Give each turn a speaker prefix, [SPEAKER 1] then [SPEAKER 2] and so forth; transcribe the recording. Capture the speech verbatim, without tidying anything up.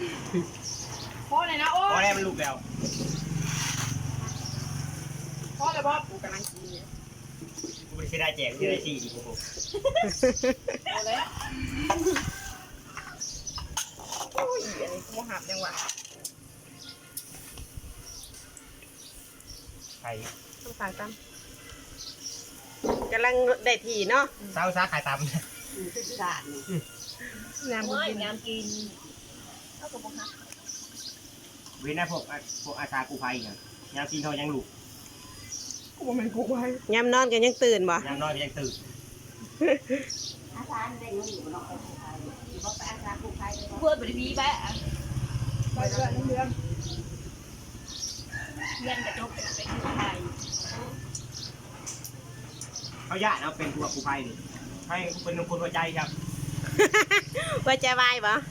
[SPEAKER 1] พ่อเลยนะโอ้
[SPEAKER 2] พอแล้วมันลุกแล้ว
[SPEAKER 1] พ่อเลยพ่อกูกำลังกิน
[SPEAKER 2] กูไม่ได้แจกไม่ได้สี่ดิกู
[SPEAKER 1] เอาเลยโอ้ยอันนี้กูหับจังหวะ
[SPEAKER 2] ไข่
[SPEAKER 3] ต้องขายตำกำลังได้ทีเนาะ
[SPEAKER 2] เศร้าซาขายตำ
[SPEAKER 1] สาดน้ำกินน้ำกินเท่ากับพวกฮัก
[SPEAKER 2] เว้นนะพวกพวกอาสากูภัยอย่างยามกินเขายังลุก
[SPEAKER 1] กูมันกูไว้
[SPEAKER 3] ยามนอนกันยังตื่นบ่
[SPEAKER 2] ยามนอนยังตื่น
[SPEAKER 1] อาสาเด็กมันอยู่บนนอกกูภัยอยู่บนอาสากูภัยเพื่อนบริบีแบะไปเรื่อยเรื่อยเรียนกระจกเป็นกูภัย
[SPEAKER 2] เขาญาติเอาเป็นตัวกูภัยดิให้เป็นคนหัวใจครับ
[SPEAKER 3] ว่าจะวายบ่